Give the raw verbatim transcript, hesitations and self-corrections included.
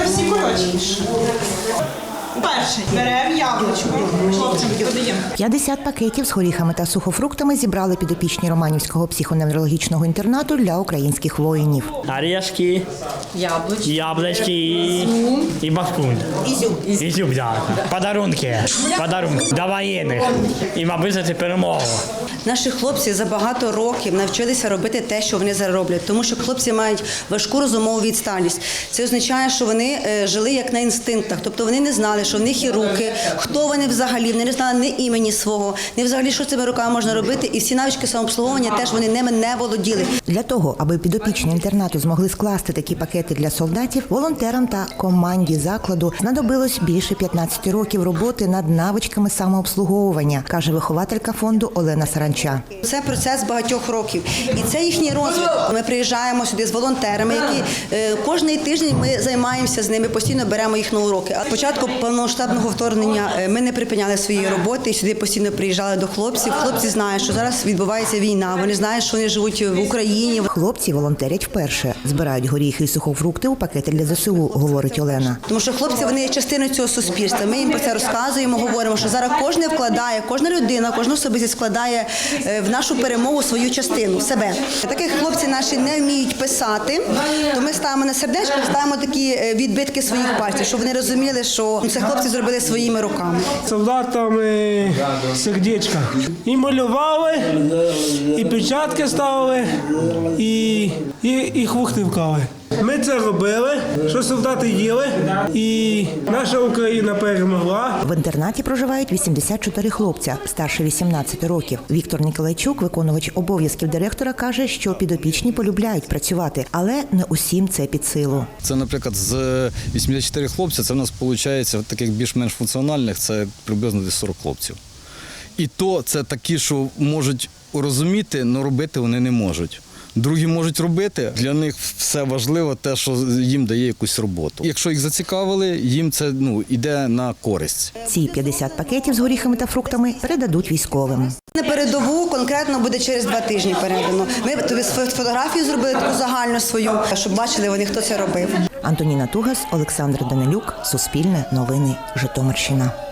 всі коротші. Перший беремо яблучко, хлопцям подаємо. п'ятдесят пакетів з горіхами та сухофруктами зібрали підопічні Романівського психоневрологічного інтернату для українських воїнів. Орешки, Яблучко. яблочки и, и бахкун. Ізюм. Изюм, да. Подарунки. Подарунки. До воєнних. І, мабуть, це перемогу. Наші хлопці за багато років навчилися робити те, що вони зараз роблять, тому що хлопці мають важку розумову відсталість. Це означає, що вони жили як на інстинктах, тобто вони не знали, що в них є руки, хто вони взагалі, вони не знали ні імені свого, ні взагалі, що цими руками можна робити, і всі навички самообслуговування теж вони ними не володіли. Для того, аби підопічні інтернату змогли скласти такі пакети для солдатів, волонтерам та команді закладу знадобилось більше п'ятнадцяти років роботи над навичками самообслуговування, каже вихователька фонду Олена Саранча. Це процес багатьох років, і це їхній розвиток. Ми приїжджаємо сюди з волонтерами, які е, кожний тиждень ми займаємося з ними, постійно беремо їх на уроки. А спочатку повномасштабного вторгнення ми не припиняли свої роботи, і сюди постійно приїжджали до хлопців. Хлопці знають, що зараз відбувається війна, вони знають, що вони живуть в Україні. Хлопці волонтерять вперше, збирають горіхи і сухофрукти у пакети для ЗСУ, говорить Олена. Тому що хлопці, вони є частиною цього суспільства. Ми їм про це розказуємо, говоримо, що зараз кожен вкладає, кожна людина, кожна особистість складає в нашу перемогу свою частину, себе. Таких хлопці наші не вміють писати, то ми ставимо на сердечко, ставимо такі відбитки своїх пальців, щоб вони розуміли, що це хлопці зробили своїми руками. Солдатам сердечка. І малювали, і печатки ставили, і, і, і хвухти вкали. Ми це робили, що солдати їли, і наша Україна перемогла. В інтернаті проживають вісімдесят чотири хлопця, старше вісімнадцяти років. Віктор Ніколайчук, виконувач обов'язків директора, каже, що підопічні полюбляють працювати, але не усім це під силу. Це, наприклад, з вісімдесят чотири хлопця, це в нас виходить, таких більш-менш функціональних, це приблизно десь сорок хлопців. І то це такі, що можуть розуміти, але робити вони не можуть. Другі можуть робити, для них все важливо те, що їм дає якусь роботу. Якщо їх зацікавили, їм це ну, йде на користь. Ці п'ятдесят пакетів з горіхами та фруктами передадуть військовим. На передову конкретно буде через два тижні передано. Ми тобі фотографію зробили таку загальну свою, щоб бачили вони, хто це робив. Антоніна Тугас, Олександр Данилюк, Суспільне новини, Житомирщина.